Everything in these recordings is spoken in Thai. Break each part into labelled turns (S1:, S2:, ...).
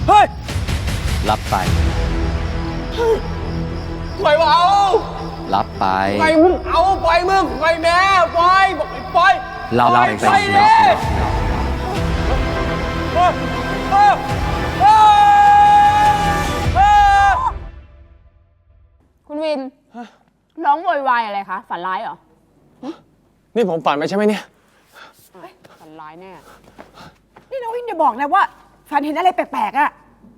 S1: เฮ้ย
S2: รับไป
S1: ปล่อยเอา
S2: รับไป
S1: ปล่อยมึงเอาปล่อยมึงปล่อยแม่ปล่อยบอกให้ปล่อย
S2: เรา
S1: ปล่อย
S2: ไป
S1: ปล่อย
S2: รับ
S1: เลยเออเออเออเออ
S3: คุณวินร้องโวยวายอะไรคะ ฝันร้ายเหรอ
S1: นี่ผมฝันไปใช่ไหมเนี่ย
S3: ฝันร้ายแน่
S4: นี่น้องวินอย่าบอกนะว่าฝันเห็นอะไรแปลกๆอะ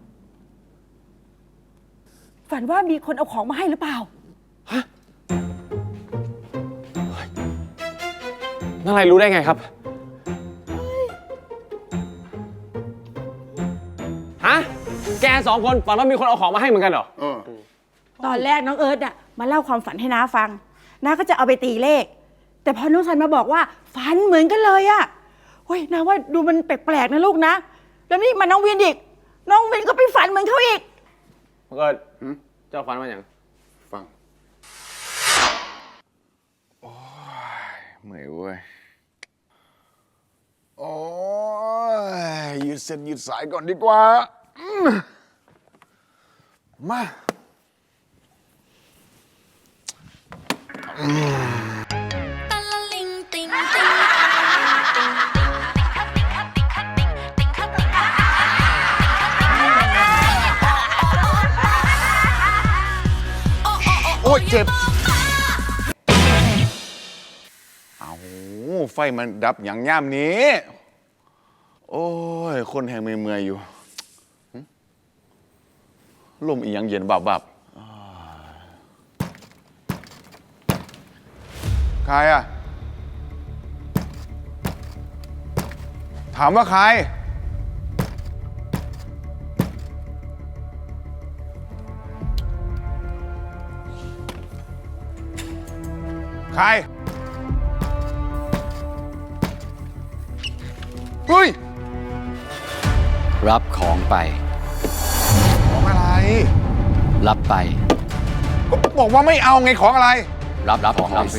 S4: ฝันว่ามีคนเอาของมาให้หรือเปล่า
S1: นั่นอะไรรู้ได้ไงครับ ฮะ แกสองคนฝันว่ามีคนเอาของมาให้เหมือนกันเหรอ
S4: ตอนแรกน้องเอิร์ธน่ะมาเล่าความฝันให้น้าฟังน้าก็จะเอาไปตีเลข แต่พอน้องซันมาบอกว่าฝันเหมือนกันเลยอะเฮ้ยน้าว่าดูมันแปลกๆนะลูกนะ แล้วนี่มาน้องวินอีก น้องวินก็ไปฝันเหมือนเขาอีก
S1: มันก็เจ้าฝันมาอย่าง
S5: ฟัง โอ้ยเหนื่อยเว้ย โอ้ยยืดเส้นยืดสายก่อนดีกว่ามา โอ้ยเจ็บ เอาไฟมันดับอย่างย่ามนี้ โอ้ย คนแห่งเมื่อยๆอยู่หึลมอีหยังเย็นบับใครอะถามว่าใคร ใคร เฮ้ย
S2: รับของไป
S5: ของอะไร
S2: รับไป
S5: ก็บอกว่าไม่เอาไงของอะไร
S2: รับของไปสิ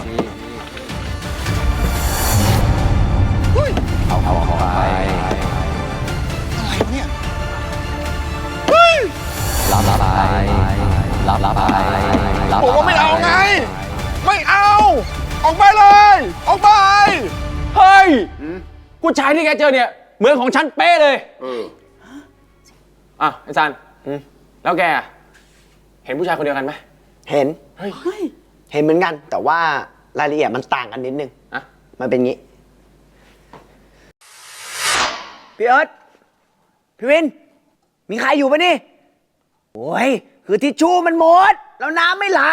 S5: เฮ้ย
S2: เอาของไป
S5: อะไรวะเนี่ย เฮ้ย
S2: รับไปรับไปรับ
S5: บอกว่าไม่เอาไง ไม่เอา ออกไปเลย ออกไป
S1: เฮ้ยผู้ชายที่แกเจอเนี่ย เหมือนของฉันเป๊ะเลย อ่ะไอ้ซันแล้วแกอะเห็นผู้ชายคนเดียวกันไหม
S6: เห็น
S1: เฮ้ย
S6: เห็นเหมือนกัน แต่ว่ารายละเอียดมันต่างกันนิดนึง
S1: อะ
S6: มันเป็นงี้ พี่เอิร์ธพี่วิน มีใครอยู่ปะนี่ โอ้ย คือทิชชู่มันหมด แล้วน้ำไม่ไหล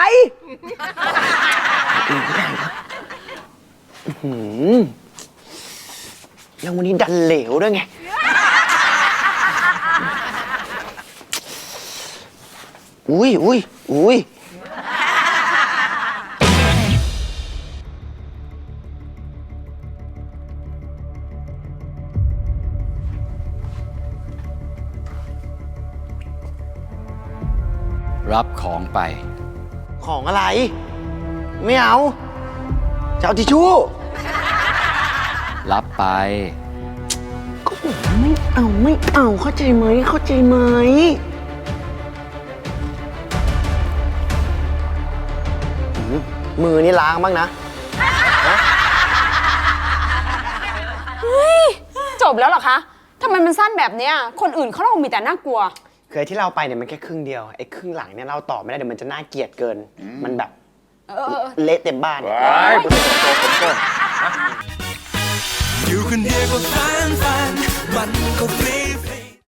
S6: แล้ววันนี้ดันเหลวด้วยไง อุ้ย
S2: รับของไป
S6: ของอะไร ไม่เอาจะเอาทิชชู่
S2: รับไป
S6: ก็บอกว่าไม่เอา เข้าใจไหม มือนี่ล้างบ้างนะ
S3: จบแล้วเหรอคะ ทำไมมันสั้นแบบเนี้ย คนอื่นเขาเล่ามีแต่น่ากลัว
S6: เคยที่เราไปเนี่ยมันแค่ครึ่งเดียว ไอ้ครึ่งหลังเนี่ยเราต่อไม่ได้เดี๋ยวมันจะน่าเกลียดเกิน มันแบบเละเต็มบ้าน
S7: อยู่คนเดียวก็ฟันมันก็ฟรี